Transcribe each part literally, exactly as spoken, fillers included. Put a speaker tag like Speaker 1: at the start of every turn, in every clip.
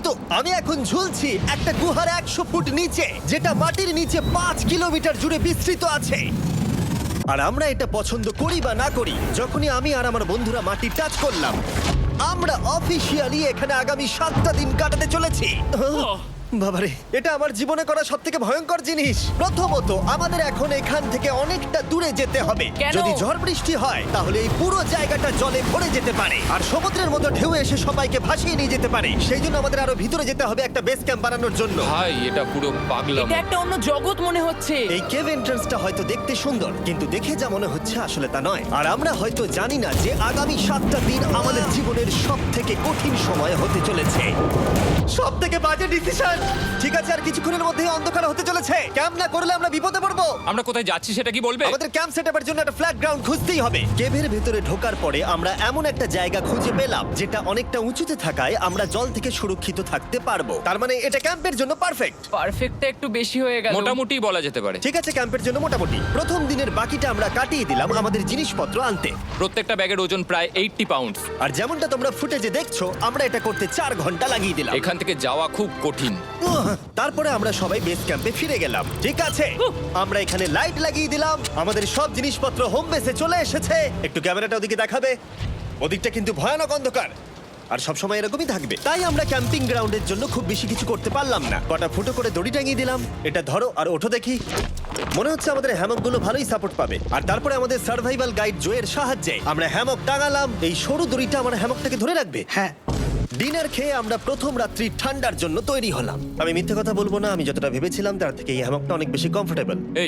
Speaker 1: কিন্তু আমি এখন ঝুলছি একটা গুহার একশো ফুট নিচে, যেটা মাটির নিচে পাঁচ কিলোমিটার জুড়ে বিস্তৃত আছে। আর আমরা এটা পছন্দ করি বা না করি, যখনই আমি আর আমার বন্ধুরা মাটি টাচ করলাম, আমরা অফিসিয়ালি এখানে আগামী সাতটা দিন কাটাতে চলেছি। বাবারে, এটা আমার জীবনে করা সব থেকে ভয়ঙ্কর জিনিস। প্রথমত, আমাদের এখন এখান থেকে অনেকটা দূরে যেতে হবে।
Speaker 2: কেন?
Speaker 1: যদি ঝড় বৃষ্টি হয় তাহলে এই পুরো জায়গাটা জলে ভরে যেতে পারে, আর সমুদ্রের মতো ঢেউ এসে সবাইকে ভাসিয়ে নিয়ে যেতে পারে। সেই জন্য আমাদের আরো ভিতরে যেতে হবে একটা বেস ক্যাম্প বানানোর জন্য।
Speaker 3: ভাই এটা পুরো পাগলাম।
Speaker 2: এটা একটা অন্য জগৎ মনে হচ্ছে।
Speaker 1: এই কেভ এন্ট্রান্সটা হয়তো দেখতে সুন্দর, কিন্তু দেখে যা মনে হচ্ছে আসলে তা নয়। আর আমরা হয়তো জানি না যে আগামী সাতটা দিন আমাদের জীবনের সব থেকে কঠিন সময় হতে চলেছে। সব থেকে বাজে ডিসিশন। ঠিক আছে, আর কিছুক্ষণের মধ্যেই অন্ধকার হতে চলেছে। ক্যাম্প না করলে আমরা বিপদে পড়বো।
Speaker 3: আমরা কোথায় যাচ্ছি সেটা কি বলবে?
Speaker 1: আমাদের ক্যাম্প সেটআপের জন্য একটা ফ্ল্যাট গ্রাউন্ড খুঁজতেই হবে। কেভের ভেতরে ঢোকার পরে আমরা এমন একটা জায়গা খুঁজে পেলাম যেটা অনেকটা উঁচুতে থাকায় আমরা জল থেকে সুরক্ষিত থাকতে পারবো। তার মানে এটা ক্যাম্পের জন্য পারফেক্ট।
Speaker 2: পারফেক্টটা একটু বেশি হয়ে গেল।
Speaker 3: মোটামুটি বলা যেতে পারে।
Speaker 1: ঠিক আছে, ক্যাম্পের জন্য মোটামুটি। প্রথম দিনের বাকিটা আমরা কাটিয়ে দিলাম আমাদের জিনিসপত্র আনতে।
Speaker 3: প্রত্যেকটা ব্যাগের ওজন প্রায় আশি পাউন্ড।
Speaker 1: আর যেমনটা তোমরা ফুটেজে দেখছো, আমরা এটা করতে চার ঘন্টা লাগিয়ে দিলাম।
Speaker 3: এখান থেকে যাওয়া খুব কঠিন।
Speaker 1: উহ, তারপরে আমরা সবাই বেস ক্যাম্পে ফিরে গেলাম। ঠিক আছে, আমরা এখানে লাইট লাগিয়ে দিলাম। আমাদের সব জিনিসপত্র হোম বেসে চলে এসেছে। একটু ক্যামেরাটা ওদিকে দেখাবে? ওদিকটা কিন্তু ভয়ানক অন্ধকার, আর সব সময় এরকমই থাকবে। তাই আমরা ক্যাম্পিং গ্রাউন্ডের জন্য খুব বেশি কিছু করতে পারলাম না। কটা ফুটো করে দড়ি টাঙিয়ে দিলাম। এটা ধরো আর ওঠো দেখি। মনে হচ্ছে আমাদের হ্যামকগুলো ভালোই সাপোর্ট পাবে। আর তারপরে আমাদের সার্ভাইভাল গাইড জোয়ের সাহায্যে আমরা হ্যামক টাঙালাম। এই সরু দড়িটা আমার হ্যামকটাকে ধরে রাখবে।
Speaker 4: হ্যাঁ,
Speaker 1: ডিনার খেয়ে আমরা প্রথম রাত্রি ঠান্ডার জন্য তৈরি হলাম। আমি মিথ্যে কথা বলবো না, আমি যতটা ভেবেছিলাম তার থেকে এই হ্যামকটা অনেক বেশি কমফোর্টেবল।
Speaker 3: এই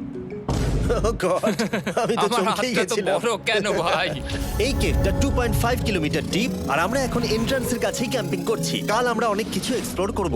Speaker 1: আমি তো
Speaker 3: আমার
Speaker 1: চমকেই
Speaker 3: হাতটা তো
Speaker 1: গেছিলাম।
Speaker 3: বড় কেন ভাই?
Speaker 1: এই কেভটা two point five kilometre deep, আর আমরা এখন এন্ট্রান্সের কাছেই ক্যাম্পিং করছি। কাল আমরা অনেক কিছু এক্সপ্লোর করব।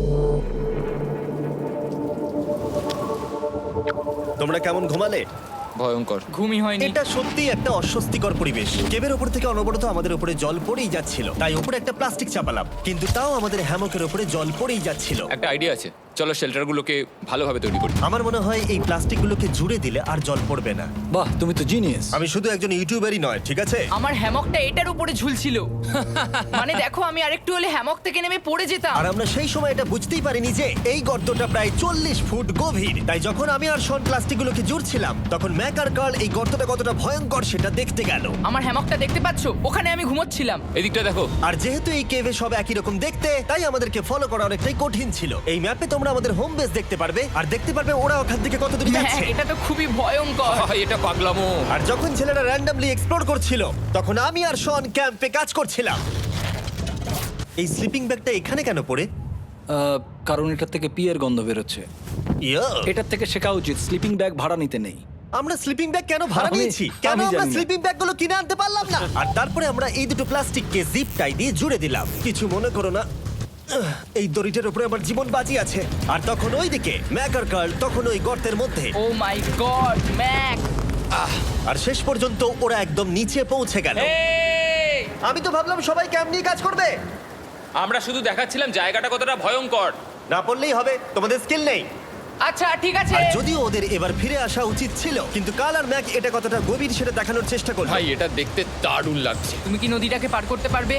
Speaker 1: তোমরা কেমন ঘুমালে?
Speaker 3: ভয়ঙ্কর।
Speaker 2: ঘুমই হয়নি।
Speaker 1: এটা সত্যি একটা অস্বস্তিকর পরিবেশ। কেবের ওপর থেকে অনবরত আমাদের উপরে জল পড়েই যাচ্ছিল, তাই উপরে একটা প্লাস্টিক চাপালাম, কিন্তু তাও আমাদের হ্যামকের উপরে জল পড়েই যাচ্ছিল।
Speaker 3: একটা আইডিয়া আছে, চলো শেল্টারগুলোকে ভালোভাবে তৈরি করি।
Speaker 1: আমার মনে হয় এই প্লাস্টিকগুলোকে জুড়ে দিলে আর জল পড়বে না।
Speaker 4: বাহ, তুমি তো জিনিয়াস।
Speaker 1: আমি শুধু একজন ইউটিউবারই নয়, ঠিক আছে?
Speaker 2: আমার হ্যামকটা এটার উপরে ঝুলছিল। মানে দেখো, আমি আরেকটু হলে হ্যামক থেকে নেমে পড়ে যেতাম।
Speaker 1: আর আমরা সেই সময় এটা বুঝতেই পারিনি যে এই গর্তটা প্রায় চল্লিশ ফুট গভীর। তাই যখন আমি আর শন প্লাস্টিকগুলোকে জুড়ছিলাম, তখন ম্যাক আর কার্ল এই গর্তটা কতটা ভয়ঙ্কর সেটা দেখতে গেল।
Speaker 2: আমার হ্যামকটা দেখতে পাচ্ছো? ওখানে আমি ঘুমোচ্ছিলাম।
Speaker 3: এদিকটা দেখো।
Speaker 1: আর যেহেতু এই কেভে সব একই রকম দেখতে, তাই আমাদেরকে ফলো করা অনেকটাই কঠিন ছিল। এই ম্যাপে তোমরা আমাদের হোম বেস দেখতে পারবে, আর দেখতে পারবে ওরা ওখান থেকে কত দূর
Speaker 2: হ্যাঁ,
Speaker 1: যাচ্ছে।
Speaker 2: এটা তো খুবই ভয়ঙ্কর।
Speaker 3: ভাই এটা পাগলামো।
Speaker 1: আর যখন ছেলেরা র্যান্ডমলি এক্সপ্লোর করছিল, তখন আমি আর শন ক্যাম্পে কাজ করছিলাম। এই স্লিপিং ব্যাগটা এখানে কেন পড়ে?
Speaker 4: আহ, কারণ এটার থেকে পিয়ের গন্ধ বেরোচ্ছে।
Speaker 1: ইয়া,
Speaker 4: এটার থেকে শেখা উচিত স্লিপিং ব্যাগ ভাড়া নিতে নেই।
Speaker 1: আমরা স্লিপিং ব্যাগ কেন ভাড়া
Speaker 4: আমি-
Speaker 1: নিয়েছি? কেন
Speaker 4: আমি
Speaker 1: আমরা
Speaker 4: জানি না।
Speaker 1: স্লিপিং ব্যাগগুলো কিনে আনতে পারলাম না? আর তারপরে আমরা এই দুটো প্লাস্টিককে জিপ টাই দিয়ে জুড়ে দিলাম। কিছু মনে করো না, আহ, এই দড়িটার উপরে আমার জীবন বাজি আছে। আর তখন ওইদিকে ম্যাক আর কার্ল তখন ওই গর্তের মধ্যে।
Speaker 2: ও মাই গড, ম্যাক!
Speaker 1: আর শেষ পর্যন্ত ওরা একদম নিচে পৌঁছে গেল।
Speaker 3: এই!
Speaker 1: আমি তো ভাবলাম সবাই ক্যাম্প নিয়ে কাজ করবে।
Speaker 3: আমরা শুধু দেখাচ্ছিলাম জায়গাটা কতটা ভয়ঙ্কর।
Speaker 1: না পড়লেই হবে, তোমাদের স্কিল নেই।
Speaker 2: আচ্ছা ঠিক আছে।
Speaker 1: আর যদিও ওদের এবার ফিরে আসা উচিত ছিল, কিন্তু কাল আর ম্যাক এটা কতটা গভীর সেটা দেখানোর চেষ্টা করলো।
Speaker 3: ভাই এটা দেখতে দারুণ লাগছে।
Speaker 2: তুমি কি নদীটাকে পার করতে পারবে?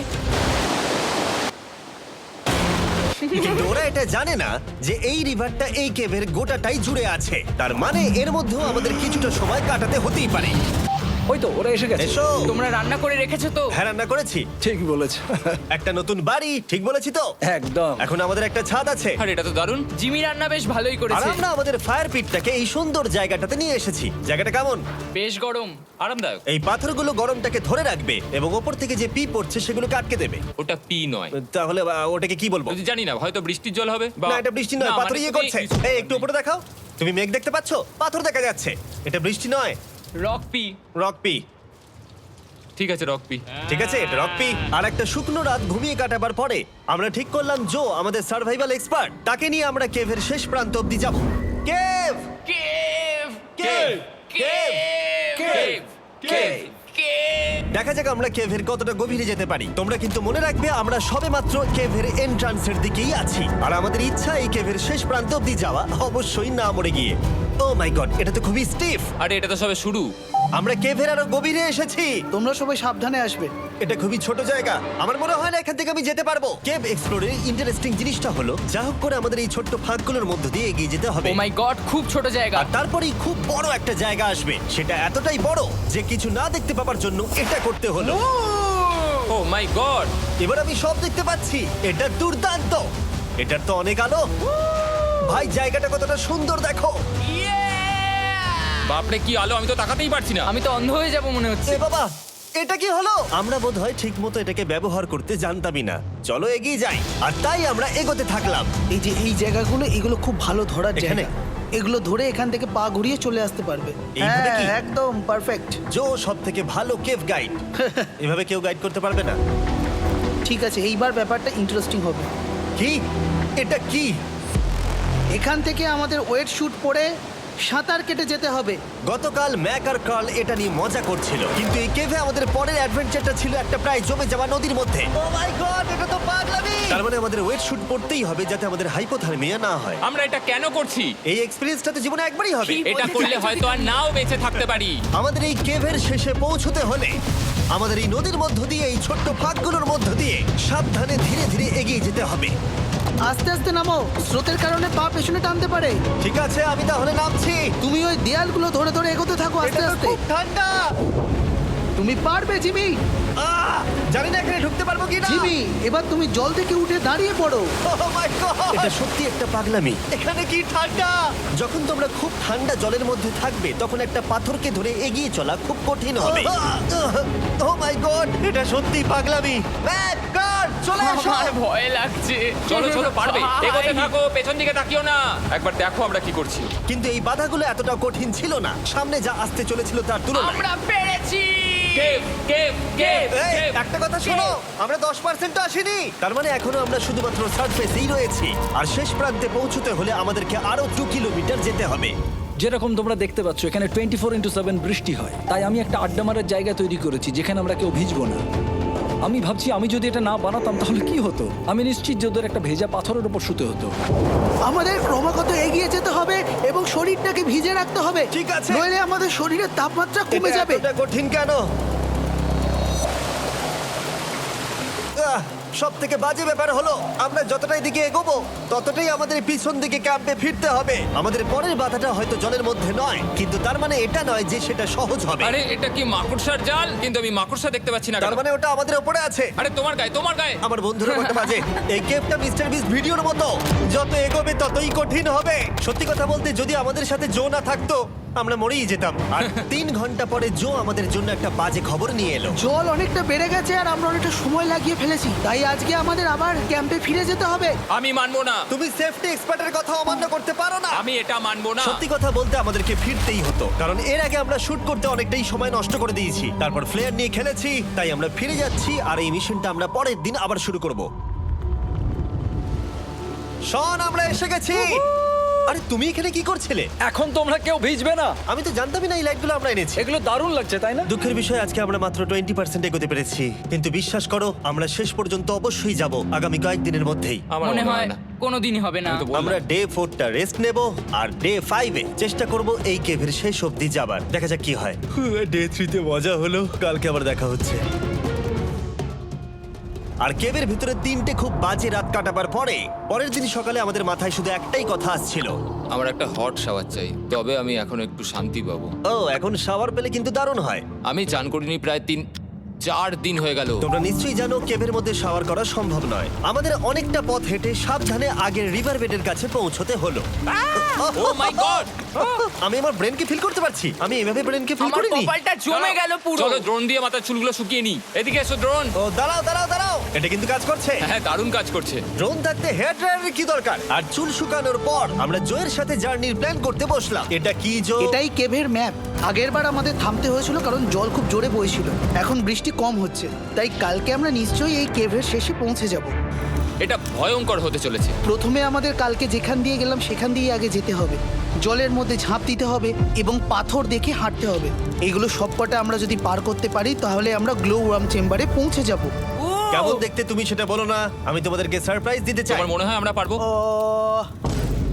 Speaker 1: কিন্তু ওরা এটা জানে না যে এই রিভারটা এই কেভের গোটাটাই জুড়ে আছে। তার মানে এর মধ্যেও আমাদের কিছুটা সময় কাটাতে হতেই পারে।
Speaker 4: ওই তো ওরা এসে গেছে।
Speaker 1: এসো।
Speaker 2: তোমরা রান্না করে রেখেছো তো?
Speaker 1: হ্যাঁ, রান্না করেছি।
Speaker 4: ঠিক বলেছ।
Speaker 1: একটা নতুন বাড়ি, ঠিক বলেছি তো?
Speaker 4: একদম।
Speaker 1: এখন আমাদের একটা ছাদ আছে।
Speaker 3: আর এটা তো দারুণ।
Speaker 2: জিমি রান্না বেশ ভালোই
Speaker 1: আর
Speaker 2: করেছে।
Speaker 1: আমরা আমাদের ফায়ার পিটটাকে এই সুন্দর জায়গাটাতে নিয়ে এসেছি। জায়গাটা কেমন?
Speaker 2: বেশ গরম।
Speaker 3: আরামদায়ক।
Speaker 1: এই পাথরগুলো গরমটাকে ধরে রাখবে এবং ওপর থেকে যে পি পড়ছে সেগুলোকে আটকে দেবে।
Speaker 3: ওটা পি নয়।
Speaker 1: তাহলে আহ, ওটাকে কি বলবো?
Speaker 3: যদি জানি না, হয়তো বৃষ্টির জল হবে বা
Speaker 1: না, এটা বৃষ্টি নয়,
Speaker 3: না,
Speaker 1: পাথর
Speaker 3: মানে
Speaker 1: ইয়ে
Speaker 3: তুমি-
Speaker 1: করছে। এই একটু উপরে দেখাও। তুমি মেঘ দেখতে পাচ্ছো? পাথর দেখা যাচ্ছে। এটা বৃষ্টি নয়,
Speaker 2: রক পি।
Speaker 1: Rock P.
Speaker 3: ঠিক আছে, রক পি।
Speaker 1: ঠিক আছে, এটা রক পি। আর একটা শুকনো রাত ঘুমিয়ে কাটাবার পরে আমরা ঠিক করলাম জো আমাদের সার্ভাইভাল এক্সপার্ট, তাকে নিয়ে আমরা কেভের শেষ প্রান্ত অব্দি যাব। Cave
Speaker 2: cave!
Speaker 1: Cave
Speaker 2: cave!
Speaker 1: Cave cave
Speaker 2: cave!
Speaker 1: দেখা যাক আমরা কেভের কতটা গভীরে যেতে পারি। তোমরা কিন্তু মনে রাখবে আমরা সবেমাত্র কেভের এন্ট্রান্সের দিকেই আছি, আর আমাদের ইচ্ছা এই কেভের শেষ প্রান্ত অব্দি যাওয়া, অবশ্যই না মরে গিয়ে। ও মাই গড, এটা তো খুবই স্টিফ।
Speaker 3: আরে এটা তো সবে শুরু।
Speaker 1: আমরা কেভের আরো গভীরে এসেছি।
Speaker 5: তোমরা সবাই সাবধানে আসবে।
Speaker 1: এটা খুবই ছোট জায়গা, আমার মনে হয় না এখান থেকে আমি যেতে পারবো। কেভ এক্সপ্লোরের ইন্টারেস্টিং জিনিসটা হলো যা হোক করে আমাদের এই ছোট্ট ফাঁকগুলোর মধ্য দিয়ে এগিয়ে যেতে হবে।
Speaker 2: ও মাই গড, খুব ছোট জায়গা।
Speaker 1: আর তারপরেই খুব বড় একটা জায়গা আসবে, সেটা এতটাই বড় যে কিছু না দেখতে পাওয়ার জন্য এটা করতে হলো।
Speaker 3: Oh my god!
Speaker 1: এবার আমি সব দেখতে পাচ্ছি, এটা দুর্দান্ত। এটার তো অনেক আলো। ভাই জায়গাটা কতটা সুন্দর দেখো।
Speaker 3: বাপরে কি আলো, আমি তো তাকাতেই পারছি না।
Speaker 2: আমি তো অন্ধ হয়ে যাব মনে হচ্ছে।
Speaker 1: এ বাবা, এটা কি হলো? আমরা বোধহয় ঠিক মতো এটাকে ব্যবহার করতে জানতামই না। চলো এগিয়ে যাই। আর তাই আমরা এগোতে থাকলাম।
Speaker 5: এই যে এই জায়গাগুলো, এগুলো খুব ভালো ধরার
Speaker 1: এখানে?
Speaker 5: জায়গা। এগুলো ধরে এখান থেকে পা ঘুরিয়ে চলে আসতে পারবে।
Speaker 1: এইভাবে
Speaker 5: হ্যাঁ,
Speaker 1: কি?
Speaker 5: একদম পারফেক্ট।
Speaker 1: জো সব থেকে ভালো কেভ গাইড। এভাবে কেউ গাইড করতে পারবে না।
Speaker 5: ঠিক আছে, এইবার ব্যাপারটা ইন্টারেস্টিং হবে।
Speaker 1: কি? এটা কি?
Speaker 5: এখান থেকে আমাদের ওয়েট শুট পরে সাঁতার কেটে যেতে হবে।
Speaker 1: গতকাল ম্যাক আর কার্ল এটা নিয়ে মজা করছিল, কিন্তু এই কেভে আমাদের পরের অ্যাডভেঞ্চারটা ছিল একটা প্রায় জমে যাওয়া নদীর মধ্যে। ও মাই গড, এটা তো পাগলামি! তার মানে আমাদের ওয়েট শুট পড়তেই হবে যাতে আমাদের হাইপোথার্মিয়া না হয়।
Speaker 3: আমরা এটা কেন করছি?
Speaker 1: এই এক্সপেরিয়েন্সটা তো জীবনে একবারই হবে।
Speaker 2: কি?
Speaker 3: এটা করলে হয়তো আর নাও বেঁচে থাকতে পারি।
Speaker 1: আমাদের এই কেভের শেষে পৌঁছতে হলে আমাদের এই নদীর মধ্য দিয়ে, এই ছোট্ট ফাঁকগুলোর মধ্য দিয়ে সাবধানে ধীরে ধীরে এগিয়ে যেতে হবে।
Speaker 5: আস্তে আস্তে নামো, স্রোতের কারণে পা পেছনে টানতে পারে।
Speaker 1: ঠিক আছে, আমি তাহলে নামছি।
Speaker 5: তুমি ওই দেয়ালগুলো ধরে ধরে এগোতে থাকো আস্তে
Speaker 1: এটা তো
Speaker 5: আস্তে।
Speaker 1: খুব ঠান্ডা।
Speaker 5: তুমি পারবে জিমি।
Speaker 1: আহ! জানি না এখানে ঢুকতে পারবো কি না।
Speaker 5: জিমি, এবার তুমি জল থেকে উঠে দাঁড়িয়ে পড়ো।
Speaker 1: এটা সত্যি একটা পাগলামি। এখানে কি ঠান্ডা! যখন তোমরা খুব ঠান্ডা জলের মধ্যে থাকবে তখন একটা পাথরকে ধরে এগিয়ে চলা খুব কঠিন হবে। ও মাই গড, এটা সত্যি পাগলামি। ম্যাক, কার, চলে এসো।
Speaker 2: আমার ভয় লাগছে।
Speaker 3: চলো চলো, পারবে।
Speaker 2: ভাই।
Speaker 3: এগোতে থাকো, পেছন দিকে তাকিও না। একবার দেখো আমরা কি করছি।
Speaker 1: কিন্তু এই বাধাগুলো এতটা কঠিন ছিল না সামনে যা আসতে চলেছিল তার তুলনায়।
Speaker 2: আমরা পেরেছি।
Speaker 3: কেভ কেভ কেভ
Speaker 1: এই,
Speaker 3: কেভ।
Speaker 1: একটা কথা শোনো, আমরা দশ পার্সেন্ট আসিনি। তার মানে এখনো আমরা শুধুমাত্র সার্ফেসেই রয়েছি, আর শেষ প্রান্তে পৌঁছতে হলে আমাদেরকে আরো দু কিলোমিটার যেতে হবে।
Speaker 4: যেরকম তোমরা দেখতে পাচ্ছ এখানে টোয়েন্টি ফোর ইন্টু সেভেন বৃষ্টি হয়, তাই আমি একটা আড্ডা মারার জায়গা তৈরি করেছি যেখানে আমরা কেউ ভিজবো না। আমি ভাবছি আমি যদি এটা না বানাতাম তাহলে কি হতো। আমি নিশ্চিত যে ওদের একটা ভেজা পাথরের উপর শুতে হতো।
Speaker 5: আমাদের ক্রমাগত এগিয়ে যেতে হবে এবং শরীরটাকে ভিজে রাখতে হবে।
Speaker 1: ঠিক আছে।
Speaker 5: নইলে আমাদের শরীরের তাপমাত্রা কমে
Speaker 1: এটা
Speaker 5: যাবে।
Speaker 1: এতটা কঠিন কেন? সব থেকে বাজে ব্যাপার হলো আমরা যতটাই দিকে এগোবো ততটাই আমাদের পিছন দিকে ক্যাম্পে ফিরতে হবে। আমাদের পরের বাধাটা হয়তো জলের মধ্যে নয়, কিন্তু তার মানে এটা নয় যে সেটা সহজ হবে।
Speaker 3: আরে এটা কি মাকড়সার জাল? কিন্তু আমি মাকড়সা দেখতে পাচ্ছি না।
Speaker 1: তার
Speaker 3: কেন?
Speaker 1: মানে ওটা আমাদের উপরে আছে।
Speaker 3: আরে তোমার গায়ে, তোমার গায়ে।
Speaker 1: আমার বন্ধুরা কত বাজে। এই গেমটা মিস্টার বিস ভিডিওর মতো, যত এগোবে ততই কঠিন হবে। সত্যি কথা বলতে যদি আমাদের সাথে জো না থাকতো আমরা মরেই যেতাম। আর তিন ঘন্টা পরে জো আমাদের জন্য একটা বাজে খবর নিয়ে এলো।
Speaker 5: জল অনেকটা বেড়ে গেছে আর আমরা অনেকটা সময় লাগিয়ে ফেলেছি, তাই আজকে আমাদের আবার ক্যাম্পে ফিরে যেতে হবে।
Speaker 3: আমি মানবো না।
Speaker 1: তুমি সেফটি এক্সপার্টের কথা অমান্য করতে পারো না।
Speaker 3: আমি এটা মানবো না।
Speaker 1: সত্যি কথা বলতে আমাদেরকে ফিরতেই হতো, কারণ এর আগে আমরা শুট করতে অনেকটাই সময় নষ্ট করে দিয়েছি। তারপর ফ্লেয়ার নিয়ে খেলেছি, তাই আমরা ফিরে যাচ্ছি আর এই মিশনটা আমরা পরের দিন আবার শুরু করব। শন, আমরা এসে গেছি। আরে তুমি এখানে কি করছিলে?
Speaker 4: এখন তোমরা কেউ ভিজবে না।
Speaker 1: আমি তো জানতামই না এই লাইটগুলো আমরা এনেছি।
Speaker 4: এগুলো দারুণ লাগছে তাই না?
Speaker 1: দুঃখের বিষয় আজকে আমরা মাত্র টোয়েন্টি পার্সেন্ট এগোতে পেরেছি, কিন্তু বিশ্বাস করো আমরা শেষ পর্যন্ত অবশ্যই যাব আগামী কয়েকদিনের মধ্যেই।
Speaker 3: আমার
Speaker 2: মনে হয় কোনোদিনই হবে না।
Speaker 3: আমি তো বললাম।
Speaker 1: আমরা ডে ফোরটা রেস্ট নেব আর ডে ফাইভে চেষ্টা করব এই কেভের শেষ অবধি যাবার। দেখা যাক কি হয়। ডে থ্রিতে মজা হলো, কালকে আবার দেখা হচ্ছে। আর কেভের ভিতরে তিনটে খুব বাজে রাত কাটাবার পরে পরের দিন সকালে আমাদের মাথায় শুধু একটাই কথা আসছিল,
Speaker 3: আমার একটা হট শাওয়ার চাই, তবে আমি এখন একটু শান্তি পাবো।
Speaker 1: ও এখন শাওয়ার পেলে কিন্তু দারুণ হয়।
Speaker 3: আমি চান করিনি প্রায় তিন চার দিন হয়ে গেল।
Speaker 1: তোমরা নিশ্চয়ই জানো কেভের মধ্যে শাওয়ার করা সম্ভব নয়। আমাদের অনেকটা পথ হেঁটে সাবধানে আগের রিভার বেডের কাছে পৌঁছতে হলো।
Speaker 3: Oh my god!
Speaker 1: আমি আমার ব্রেনকে ফিল করতে পারছি। আমি এভাবে ব্রেনকে ফিল
Speaker 2: আমার
Speaker 1: করিনি।
Speaker 2: কপালটা জমে গেল পুরো।
Speaker 3: চলো ড্রোন দিয়ে মাথার চুলগুলো শুকিয়ে নি। এদিকে এসো ড্রোন।
Speaker 1: ও দাঁড়াও দাঁড়াও দাঁড়াও, এটা কিন্তু কাজ করছে।
Speaker 3: হ্যাঁ দারুণ কাজ করছে।
Speaker 1: ড্রোন থাকতে হেয়ার ড্রায়ারের কি দরকার? আর চুল শুকানোর পর আমরা জোয়ের সাথে জার্নির প্ল্যান করতে বসলাম। এটা কি জো?
Speaker 5: এটাই কেভের ম্যাপ। আগেরবার আমাদের থামতে হয়েছিল কারণ জল খুব জোরে বইছিল। এখন বৃষ্টি কম হচ্ছে, তাই কালকে আমরা নিশ্চয়ই এই কেভের শেষে পৌঁছে যাব।
Speaker 3: এটা ভয়ঙ্কর হতে চলেছে।
Speaker 5: প্রথমে আমাদের কালকে যেখান দিয়ে গেলাম সেখান দিয়ে আগে যেতে হবে। জলের মধ্যে ঝাঁপ দিতে হবে এবং পাথর দেখে হাঁটতে হবে। এগুলো সবকটা আমরা যদি পার করতে পারি তাহলে আমরা গ্লো ওয়ার্ম চেম্বারে পৌঁছে যাব।
Speaker 1: কেমন দেখতে তুমি সেটা বলো না, আমি তোমাদেরকে সারপ্রাইজ দিতে চাই।
Speaker 3: তোমার মনে হয় আমরা পারবো?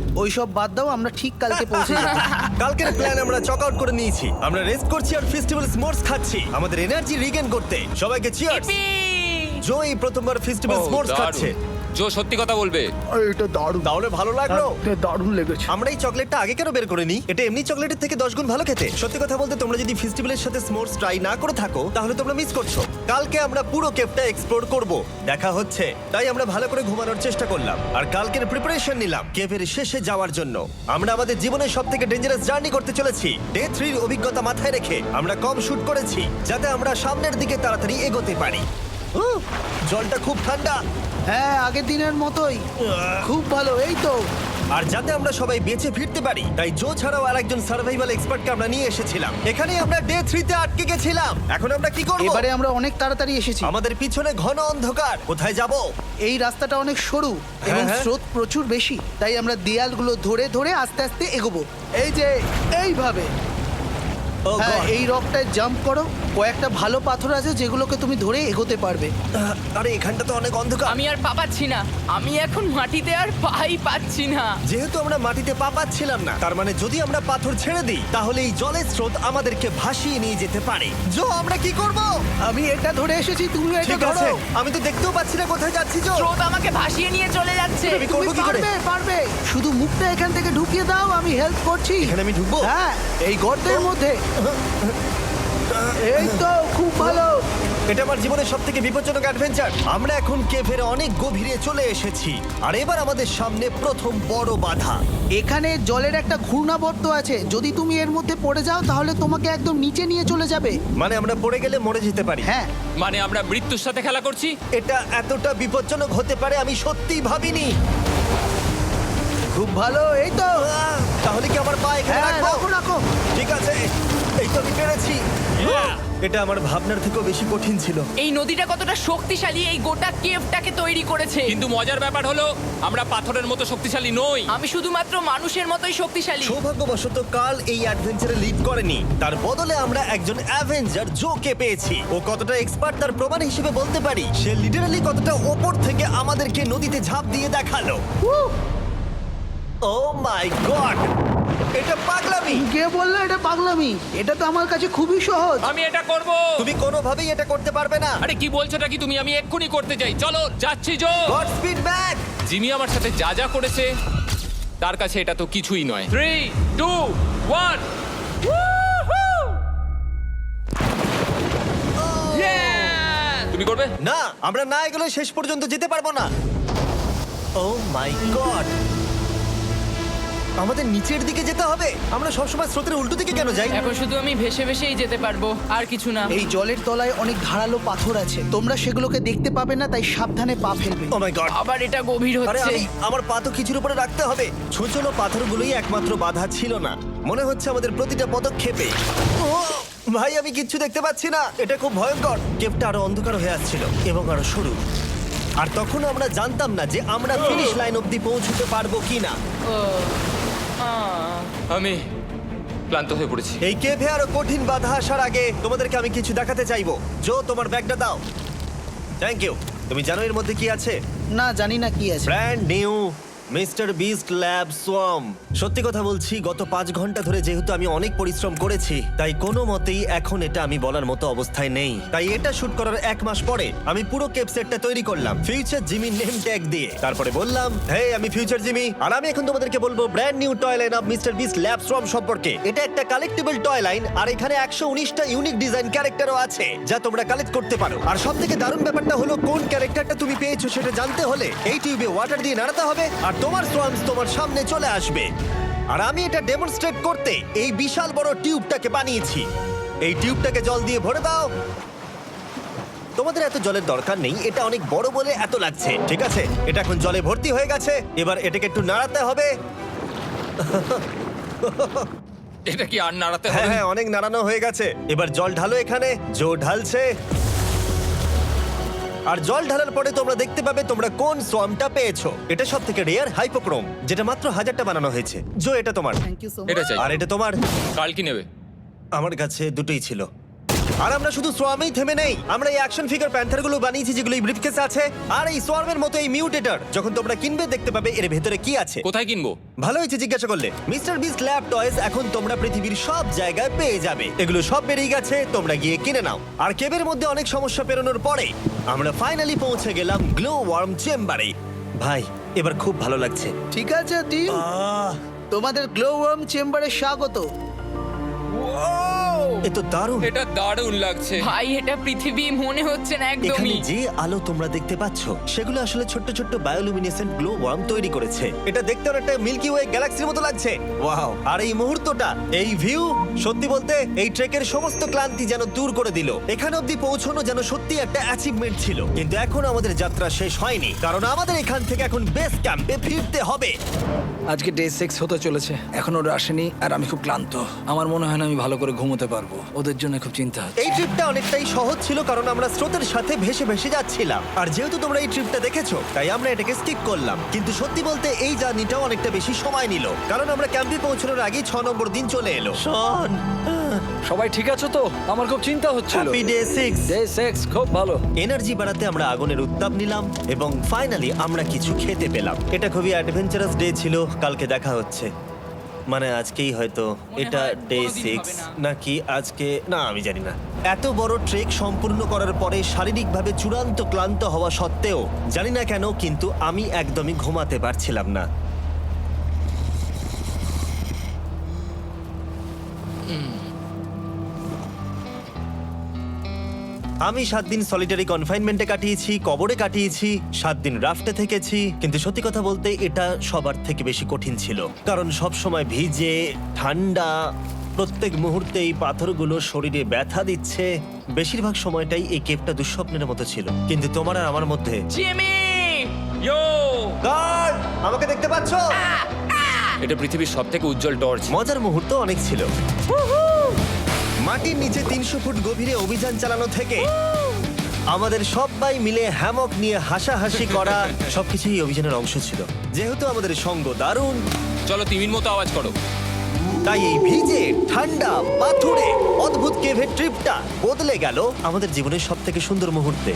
Speaker 5: ওইসব বাদ দাও, আমরা ঠিক কালকে পৌঁছে যাবো।
Speaker 1: কালকের প্ল্যান আমরা চক আউট করে নিয়েছি। আমরা রেস্ট করছি আর ফেস্টিভ্যাল স্মোর্টস খাচ্ছি আমাদের এনার্জি রিগেন করতে। সবাইকে চিয়ার্স।
Speaker 2: Yippee!
Speaker 1: জো এই প্রথমবার ফেস্টিভ্যাল
Speaker 3: ও,
Speaker 1: স্মোর্টস
Speaker 3: দারুণ।
Speaker 1: খাচ্ছে।
Speaker 3: জো সত্যি কথা বলবে।
Speaker 5: এটা দারুণ,
Speaker 1: তাহলে ভালো লাগলো?
Speaker 5: দারুণ লেগেছে।
Speaker 1: আমরা এই চকলেটটা আগে কেন বের করে নিই? এটা এমনি চকলেটের থেকে দশ গুণ ভালো খেতে। সত্যি কথা বলতে তোমরা যদি ফেস্টিভ্যালের সাথে স্মোর্টস ট্রাই না করে থাকো তাহলে তোমরা মিস করছো। কালকে আমরা পুরো কেভটা এক্সপ্লোর করব, দেখা হচ্ছে। তাই আমরা ভালো করে ঘুমানোর চেষ্টা করলাম আর কালকের প্রিপারেশন নিলাম কেভের শেষে যাওয়ার জন্য। আমরা আমাদের জীবনের সব থেকে ডেঞ্জারাস জার্নি করতে চলেছি। ডে থ্রির অভিজ্ঞতা মাথায় রেখে আমরা কম শুট করেছি যাতে আমরা সামনের দিকে তাড়াতাড়ি এগোতে পারি। উহ, জলটা খুব ঠান্ডা
Speaker 5: হ্যাঁ, আগের দিনের মতোই খুব ভালো। এই তো
Speaker 1: আর যাতে আমরা সবাই বেঁচে ফিরতে পারি তাই জো ছাড়াও আরেকজন সার্ভাইভাল এক্সপার্টকে আমরা নিয়ে এসেছিলাম। এখানে আমরা ডে থ্রিতে আটকে গেছিলাম। এখন আমরা কি করব?
Speaker 5: এবারে আমরা অনেক তাড়াতাড়ি এসেছি।
Speaker 1: আমাদের পিছনে ঘন অন্ধকার, কোথায় যাব?
Speaker 5: এই রাস্তাটা অনেক সরু এবং
Speaker 1: হ্যাঁ।
Speaker 5: স্রোত প্রচুর বেশি, তাই আমরা দেয়ালগুলো ধরে ধরে আস্তে আস্তে এগোবো। এই যে এইভাবে।
Speaker 1: ও
Speaker 5: হ্যাঁ,
Speaker 1: God!
Speaker 5: এই রকটায় জাম্প করো। কয়েকটা ভালো পাথর আছে যেগুলোকে তুমি ধরে এগোতে পারবে।
Speaker 1: আহ, আরে এখানটা তো অনেক অন্ধকার।
Speaker 2: আমি আর পা পাচ্ছি না, আমি এখন মাটিতে আর পাই পাচ্ছি না।
Speaker 1: যেহেতু আমরা মাটিতে পা পাচ্ছিলাম না, তার মানে যদি আমরা পাথর ছেড়ে দিই তাহলে এই জলের স্রোত আমাদেরকে ভাসিয়ে নিয়ে যেতে পারে। জো, আমরা কি করব?
Speaker 5: আমি এটা ধরে এসেছি, তুমি এটা
Speaker 1: ঠিক
Speaker 5: ধরো।
Speaker 1: আছে, আমি তো দেখতেও পাচ্ছি না কোথায় যাচ্ছি। জো,
Speaker 2: স্রোত আমাকে ভাসিয়ে নিয়ে চলে যাচ্ছে।
Speaker 1: আমি
Speaker 5: তুমি
Speaker 1: করবো কি করে?
Speaker 5: পারবে, পারবে। শুধু মুখটা এখান থেকে ঢুকিয়ে দাও, আমি হেল্প করছি।
Speaker 1: এখানে আমি ঢুকবো?
Speaker 5: হ্যাঁ, এই গর্তের মধ্যে। এই তো, খুব ভালো।
Speaker 1: এটা আমার জীবনের সব থেকে বিপজ্জনক অ্যাডভেঞ্চার। আমরা এখন কেভের অনেক গভীরে চলে এসেছি আর এবার আমাদের সামনে প্রথম বড় বাধা।
Speaker 5: এখানে জলের একটা ঘূর্ণাবর্ত আছে, যদি তুমি এর মধ্যে পড়ে যাও তাহলে তোমাকে একদম নিচে নিয়ে চলে যাবে।
Speaker 1: মানে আমরা পড়ে গেলে মরে যেতে পারি।
Speaker 5: হ্যাঁ,
Speaker 3: মানে আমরা মৃত্যুর সাথে খেলা করছি।
Speaker 1: এটা এতটা বিপজ্জনক হতে পারে আমি সত্যিই ভাবিনি।
Speaker 5: খুব ভালো। এই তো।
Speaker 1: আহ, তাহলে কি আমার পা এখানে
Speaker 5: হ্যাঁ,
Speaker 1: রাখবো?
Speaker 5: রাখো রাখো।
Speaker 1: ঠিক আছে, এই তো আমি পেরেছি। এটা আমার ভাবনার থেকেও বেশি কঠিন ছিল।
Speaker 2: এই নদীটা কতটা শক্তিশালী এই গোটা কেভটাকে তৈরি করেছে।
Speaker 3: কিন্তু মজার ব্যাপার হলো আমরা পাথরের মতো শক্তিশালী নই।
Speaker 2: আমি শুধুমাত্র মানুষের মতোই শক্তিশালী।
Speaker 1: সৌভাগ্যবশত কাল এই অ্যাডভেঞ্চারে লিড করেনি, তার বদলে আমরা একজন অ্যাভেঞ্জার জোকে পেয়েছি। ও কতটা এক্সপার্ট তার প্রমাণ হিসেবে বলতে পারি। সে লিটারালি কতটা ওপর থেকে আমাদেরকে নদীতে ঝাঁপ দিয়ে দেখালো। ও মাই গড, এটা পাগলামি।
Speaker 5: কে বললো এটা পাগলামি? এটা তো আমার কাছে খুবই সহজ।
Speaker 3: আমি এটা করব।
Speaker 1: তুমি কোনোভাবেই এটা করতে পারবে না।
Speaker 3: আরে কি বলছোটা কি তুমি? আমি এক্ষুনি করতে চাই। চলো যাচ্ছি Joe.
Speaker 1: God speed back.
Speaker 3: Jimmy আমার সাথে যা যা করেছে তার কাছে এটা তো কিছুই নয়। Three two one. তুমি করবে?
Speaker 1: না, আমরা না এগুলো শেষ পর্যন্ত যেতে পারবো না। ও মাই গড, আমাদের নিচের দিকে যেতে হবে। আমরা সবসময় স্রোতের উল্টো দিকে কেন যাই?
Speaker 2: এখন শুধু আমি ভেসে ভেসেই যেতে পারবো, আর কিছু না।
Speaker 5: এই জলের তলায় অনেক ধারালো পাথর আছে, তোমরা সেগুলোকে দেখতে পাবে না, তাই সাবধানে পা ফেলবে।
Speaker 1: ও মাই গড,
Speaker 2: আবার এটা গভীর
Speaker 1: আরে
Speaker 2: হচ্ছে।
Speaker 1: আমি আমার পা তো কিছুর উপরে রাখতে হবে। ছোট ছোট পাথরগুলোই একমাত্র বাধা ছিল না, মনে হচ্ছে আমাদের প্রতিটা পদক্ষেপে। ও ভাই, আমি কিচ্ছু দেখতে পাচ্ছি না। এটা খুব ভয়ঙ্কর। কেভটা আরো অন্ধকার হয়ে আসছিল এবং আরো সরু। আর তখন আমরা জানতাম না যে আমরা ফিনিশ লাইন অবধি পৌঁছতে পারবো কিনা।
Speaker 2: ও, আহ।
Speaker 3: আমি ক্লান্ত হয়ে পড়েছি।
Speaker 1: এই কেভে আরো কঠিন বাধা আসার আগে তোমাদেরকে আমি কিছু দেখাতে চাইবো। জো, তোমার ব্যাগটা দাও। Thank you. তুমি জানো এর মধ্যে কি আছে?
Speaker 5: না, জানি না কি আছে।
Speaker 1: Brand new Mister Beast lab swarm. সত্যি কথা বলছি, গত পাঁচ ঘন্টা ধরে যেহেতু আমি অনেক পরিশ্রম করেছি, তাই কোনো মতেই এখন এটা আমি বলার মতো অবস্থায় নেই। তাই এটা শুট করার এক মাস পরে আমি পুরো কেপ সেটটা তৈরি করলাম ফিউচার জিমি নেম ট্যাগ দিয়ে। তারপরে বললাম, হে, আমি ফিউচার জিমি, আর আমি এখন তোমাদেরকে বলবো brand new toy line of Mister Beast lab swarm সম্পর্কে। এটা একটা কালেক্টিবল টয় লাইন, আর এখানে একশো উনিশটা ইউনিক ডিজাইন ক্যারেক্টারও আছে যা তোমরা কালেক্ট করতে পারো। আর সব থেকে দারুণ ব্যাপারটা হলো, কোন ক্যারেক্টারটা তুমি পেয়েছো সেটা জানতে হলে এই টিউবে ওয়াটার দিয়ে নাড়াতে হবে আর তোমার সোয়ামস তোমার সামনে চলে আসবে। আর আমি এটা ডেমনস্ট্রেট করতে এই বিশাল বড় টিউবটাকে বানিয়েছি। এই টিউবটাকে জল দিয়ে ভরে দাও। তোমাদের এত জলের দরকার নেই, এটা অনেক বড় বলে এত লাগছে। ঠিক আছে, এটা এখন জলে ভর্তি হয়ে গেছে। এবার এটাকে একটু নাড়াতে হবে।
Speaker 3: এটা কি আর নাড়াতে
Speaker 1: হ্যাঁ
Speaker 3: হবে?
Speaker 1: হ্যাঁ, অনেক নাড়ানো হয়ে গেছে। এবার জল ঢালো এখানে। জো ঢালছে। আর জল ঢালার পরে তোমরা দেখতে পাবে তোমরা কোন সোয়ামটা পেয়েছো। এটা সব থেকে রেয়ার হাইপোক্রোম, যেটা মাত্র হাজারটা বানানো হয়েছে। জো, এটা তোমার।
Speaker 5: থ্যাংক ইউ সো
Speaker 3: এটা
Speaker 5: মাচ।
Speaker 3: চাই।
Speaker 1: আর এটা তোমার।
Speaker 3: কাল কি নেবে?
Speaker 1: আমার কাছে দুটোই ছিল। আর আমরা শুধু সোয়ামেই থেমে নেই, আমরা এই অ্যাকশন ফিগার প্যান্থার গুলো বানিয়েছি যেগুলো এই ব্রিফকেসে আছে। আর এই সোয়ার্মের মতো এই মিউটেটর যখন তোমরা কিনবে দেখতে পাবে এর ভেতরে কি আছে।
Speaker 3: কোথায় কিনবো?
Speaker 1: ভালো হয়েছে জিজ্ঞাসা করলে। মিস্টার বিস্ট ল্যাব টয়েস এখন তোমরা পৃথিবীর সব জায়গায় পেয়ে যাবে। এগুলো সব বেরিয়ে গেছে, তোমরা গিয়ে কিনে নাও। আর কেবের মধ্যে অনেক সমস্যা পেরোনোর পরে আমরা ফাইনালি পৌঁছে গেলাম গ্লো ওয়ার্ম চেম্বারে। ভাই এবার খুব ভালো লাগছে।
Speaker 5: ঠিক আছে টিম,
Speaker 1: আহ,
Speaker 5: তোমাদের গ্লো ওয়ার্ম চেম্বারে স্বাগত।
Speaker 1: এ তো দারুণ।
Speaker 3: এটা দারুণ লাগছে।
Speaker 2: ভাই এটা পৃথিবী মনে হচ্ছে না
Speaker 1: এখানে
Speaker 2: একদমই।
Speaker 1: যে আলো তোমরা দেখতে পাচ্ছ সেগুলো আসলে ছোট্ট ছোট্ট বায়োলুমিনেসেন্ট গ্লো ওয়ার্ম তৈরি করেছে। এটা দেখতে অনেকটা মিল্কি ওয়ে গ্যালাক্সির মতো লাগছে। ওয়াও! আর এই মুহূর্তটা, এই ভিউ, সত্যি বলতে এই ট্রেকের সমস্ত ক্লান্তি যেন দূর করে দিল। এখানে অবধি পৌঁছানো যেন সত্যি একটা অ্যাচিভমেন্ট ছিল। কিন্তু এখন আমাদের যাত্রা শেষ হয়নি, কারণ আমাদের এখান থেকে এখন বেস ক্যাম্পে ফিরতে হবে।
Speaker 4: আজকে ডে সিক্স হতে চলেছে, এখনো ওরা আসেনি আর আমি খুব ক্লান্ত। আমার মনে হয় না আমি ভালো করে ঘুমোতে পারবো, ওদের জন্য খুব চিন্তা হচ্ছে।
Speaker 1: এই ট্রিপটা অনেকটাই সহজ ছিল কারণ আমরা স্রোতের সাথে ভেসে ভেসে যাচ্ছিলাম। আর যেহেতু তোমরা এই ট্রিপটা দেখেছো তাই আমরা এটাকে স্কিপ করলাম। কিন্তু সত্যি বলতে এই জার্নিটাও অনেকটা বেশি সময় নিল, কারণ আমরা ক্যাম্পে পৌঁছানোর আগেই ছ নম্বর দিন চলে এলো। শন,
Speaker 4: সবাই ঠিক আছে তো? আমার খুব চিন্তা হচ্ছিল।
Speaker 1: Happy day six.
Speaker 4: Day six খুব ভালো।
Speaker 1: এনার্জি বাড়াতে আমরা আগুনের উত্তাপ নিলাম এবং ফাইনালি আমরা কিছু খেতে পেলাম। এটা খুবই অ্যাডভেঞ্চারাস ডে ছিল। কালকে দেখা হচ্ছে, মানে আজকেই হয়তো। এটা
Speaker 2: হয়
Speaker 1: ডে
Speaker 2: কোনোদিন
Speaker 1: সিক্স
Speaker 2: হবে না।
Speaker 1: নাকি আজকে, না আমি জানি না। এত বড় ট্রেক সম্পূর্ণ করার পরে শারীরিকভাবে চূড়ান্ত ক্লান্ত হওয়া সত্ত্বেও জানি না কেন কিন্তু আমি একদমই ঘুমাতে পারছিলাম না। আমি সাত দিন সলিটারি কনফাইনমেন্টে কাটিয়েছি, কবরে কাটিয়েছি, সাত দিন রাফটে থেকেছি। কিন্তু সত্যি কথা বলতে এটা সবার থেকে বেশি কঠিন ছিল, কারণ সব সময় ভিজে, ঠান্ডা, প্রত্যেক মুহূর্তে এই পাথরগুলো শরীরে ব্যথা দিচ্ছে। বেশিরভাগ সময়টাই এই কেভটা দুঃস্বপ্নের মতো ছিল। কিন্তু তোমার আর আমার মধ্যে
Speaker 2: জিমি!
Speaker 3: ইয়ো!
Speaker 1: গার্ড, আমাকে দেখতে পাচ্ছ?
Speaker 3: এটা পৃথিবীর সবথেকে উজ্জ্বল টর্চ।
Speaker 1: মজার মুহূর্ত অনেক ছিল। মাটির নিচে তিনশো ফুট গভীরে অভিযান চালানো থেকে আমাদের সবাই মিলে হ্যামক নিয়ে হাসাহাসি করা সবকিছুই এই অভিযানের অংশ ছিল। যেহেতু আমাদের সঙ্গ দারুণ,
Speaker 3: চলো তিমির মতো আওয়াজ করো।
Speaker 1: তাই এই ভিজে ঠান্ডা পাথুরে অদ্ভুত কেভের ট্রিপটা বদলে গেল আমাদের জীবনের সব থেকে সুন্দর মুহূর্তে।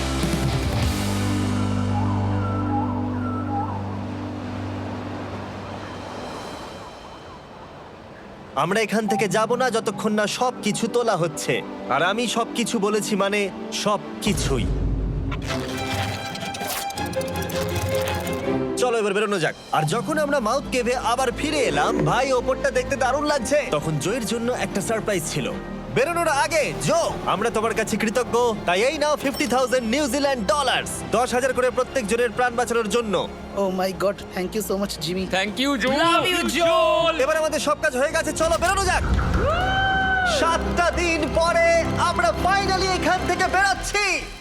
Speaker 1: আমরা এখান থেকে যাব না যতক্ষণ না সব কিছু তোলা হচ্ছে। আর আমি সব কিছু বলেছি মানে সব কিছুই। চলো এবার বেরোনো যাক। আর যখন আমরা মাউথ কেভে আবার ফিরে এলাম, ভাই ওপরটা দেখতে দারুণ লাগছে। তখন জয়ের জন্য একটা সারপ্রাইজ ছিল। বেরোনোর আগে জো, আমরা তোমার কাছে কৃতজ্ঞ। তাই এই নাও ফিফটি থাউজেন্ড নিউজিল্যান্ড ডলার্স, দশ হাজার করে প্রত্যেক জনের প্রাণ বাঁচানোর জন্য।
Speaker 5: ও my god, thank you so much Jimmy.
Speaker 3: Thank you Joe.
Speaker 2: Love you জোল!
Speaker 1: এবার আমাদের সব কাজ হয়ে গেছে, চলো বেরোনো যাক। সাতটা দিন পরে আমরা ফাইনালি এখান থেকে বেরোচ্ছি।